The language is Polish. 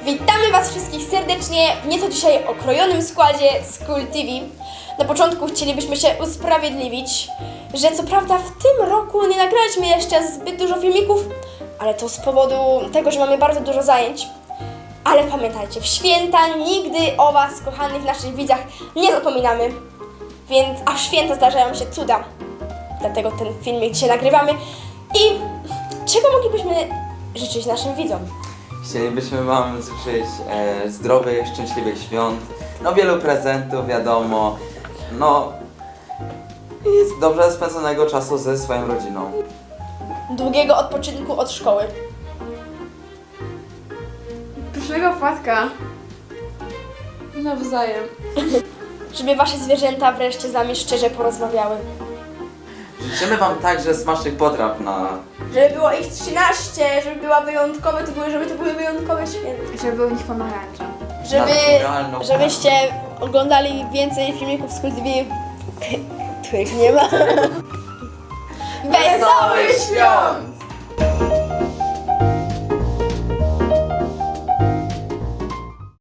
Witamy Was wszystkich serdecznie w nieco dzisiaj okrojonym składzie School TV. Na początku chcielibyśmy się usprawiedliwić, że co prawda w tym roku nie nagraliśmy jeszcze zbyt dużo filmików, ale to z powodu tego, że mamy bardzo dużo zajęć. Ale pamiętajcie, w święta nigdy o Was, kochanych naszych widzach, nie zapominamy. A w święta zdarzają się cuda. Dlatego ten filmik dzisiaj nagrywamy. I czego moglibyśmy życzyć naszym widzom? Chcielibyśmy Wam życzyć zdrowych, szczęśliwych świąt, no wielu prezentów, wiadomo, no i dobrze spędzonego czasu ze swoją rodziną. Długiego odpoczynku od szkoły. Pysznego płatka. Nawzajem. Żeby Wasze zwierzęta wreszcie z Wami szczerze porozmawiały. Życzymy Wam także smacznych potraw na... Żeby było ich 13, żeby była wyjątkowe, żeby to były wyjątkowe święta. Żeby był w nich pomarańcza. naturalną Żebyście oglądali więcej filmików z School TV, których nie ma. Wesołych świąt!